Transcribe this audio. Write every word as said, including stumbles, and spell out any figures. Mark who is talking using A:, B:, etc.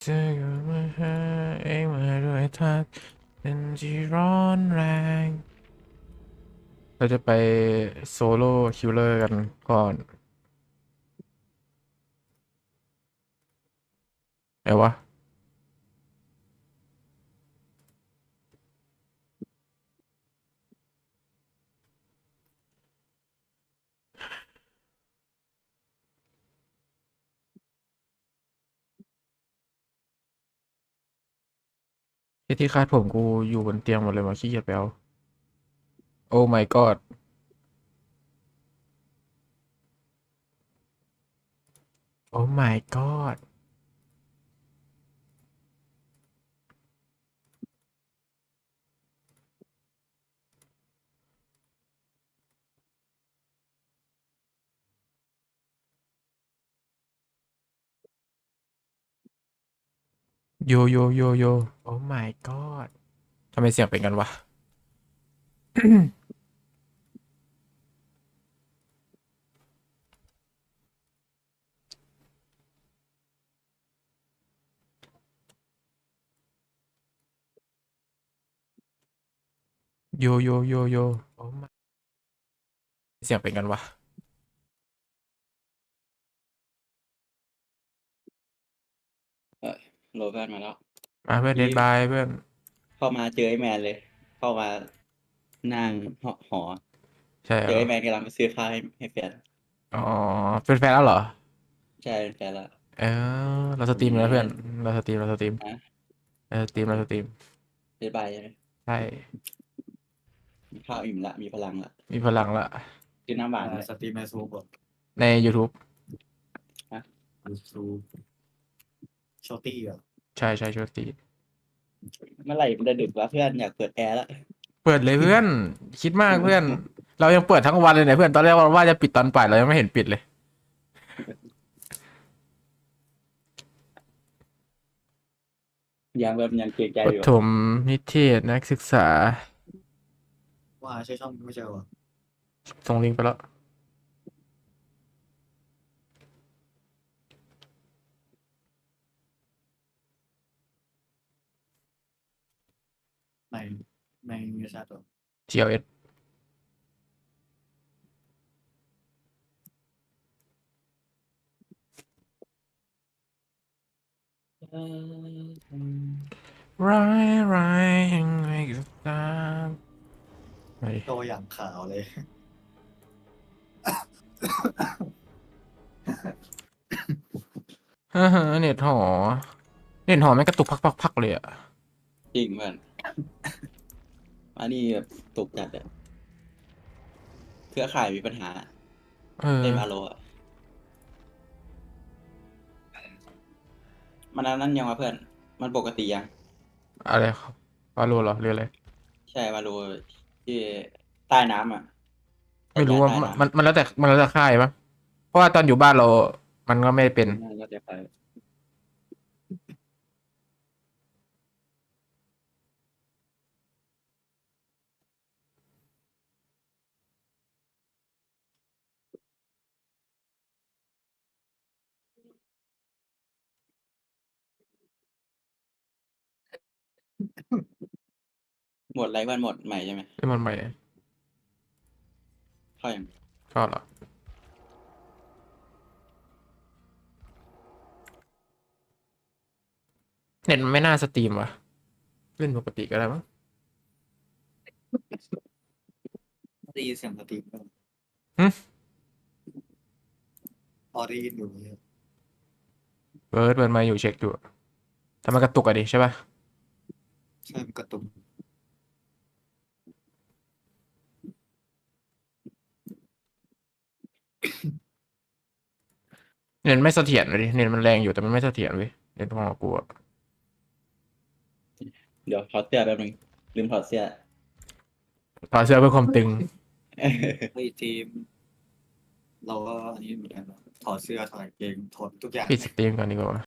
A: เธอก็มาหาเองมาด้วยท่าเป็นที่ร้อนแรงเราจะไปโซโล่คิลเลอร์กันก่อนไหนวะไอ้ที่คาดผมกูอยู่บนเตียงหมดเลยมาขี้เกียจไปเอาโอ้ my god โอ้ my god โยโยโยโยโอ้ my god ทำไมเสียงเป็นกันวะ โยโยโยโยโอ้ my เสียงเป็นกันวะ
B: เออโหลดเพื่อนมาแล้ว
A: มาเพื่อนเด
B: นี่
A: ดบายเพื่อน
B: เข้ามาเจอไอ้แมนเลย เข้ามานั่งหอหอ
A: ใช่เหรอ
B: เจอไอ้แมนกำลังไปซื้อข้าวให้ให้แฟน
A: อ๋อเป็นแฟนแล้วเหรอ
B: ใช่เป็นแฟนละ
A: เออเราสตรีมแล้วเพื่อนเราสตรีมเราสตรีม
B: นะ
A: เราสตรีมเราสตรีม
B: เดบายใช่ไหม
A: ใช่
B: มีข้าวอิ่มละมีพลังละ
A: มีพลังละ
B: กินน้ำหวาน
C: อ่า
B: เลย
C: สตรีมในซูมบอ
A: ใน YouTube
C: ยูทูบชอตตี้อ่ะ
A: ใช่ใช่ช่วยตี
B: เมื่อไหร่มันจะดึกวะเพื่อนอยากเปิดแอร์ละ
A: เปิดเลยเพื่อน คิดมากเพื่อน เรายังเปิดทั้งวันเลยเนี่ยเพื่อนตอนแรกว่าจะปิดตอนบ่ายเรายังไม่เห็นปิดเลย
B: ยังแบบยังเกรงใจ
A: ป
B: อยู่
A: ฐมนิเทศนักศึกษา
C: ว่าใช่ช่องไม่ใช่เหรอ
A: ส่งลิงก์ไปแล้ว
C: ในในวิชาตัว
A: ที แอล เอส
B: เออ
A: ร้ายร้ายยังไงก็ตามไป
C: ตัวอย่างขาวเลย
A: ฮ่าฮ่าเน็ตหอ เน็ตหอไม่งกระตุกพักๆๆเลยอะ
B: จริงเพื่อนอันนี้แบบตกจัดอะเครือข่ายมีปัญหา
A: เออ
B: เล่นมาโลอะมันอันนั้นยังวะเพื่อน มันปกติยัง
A: อะไรครับวาโลเหรอหรืออะไร
B: ใช่มาโลที่ใต้น้ำอ่ะจั
A: ไม่รู้ว่า
B: ดการใต้
A: มัน
B: น้ำ
A: มันแล้วแต่มันแล้วแต่ค่ายปะเพราะว่าตอนอยู่บ้านเรา มันก็ไม่เป็น
B: น่าจะไปหมดไรวันหมดใหม่ใช่ไหม
A: เป็นมันใหม่
B: เข้าอย่าง
A: ก็เหรอเน็ตมันไม่น่าสตรีมวะเล่นปกติก็ได้มั้ง
C: ได้ยินเสียงสตรีมก็
A: หึ
C: พอได้ยินอยู่เนี่ย
A: เบิร์ดเบิร์ดมาอยู่เช็คอยู่แต่มันกระตุกอะดิใช่ปะ
C: ใช่มันกระตุก
A: เน็ตไม่เสถียรเลยดิเน็ตมันแรงอยู่แต่มันไม่เสถียรเว้ยเน็ตของกูอะ
B: เดี๋ยวถอดเสื้อแป๊บนึงลืมถอดเสื้อ
A: ถอดเสื้อเพื่อความตึง
C: ไอ้ทีม เราก็อันนี้เหมือนกันนะถอดเสื้อถอดกางเกงถอดทุกอย่าง
A: ปิดสตรีมก่อนดีกว่า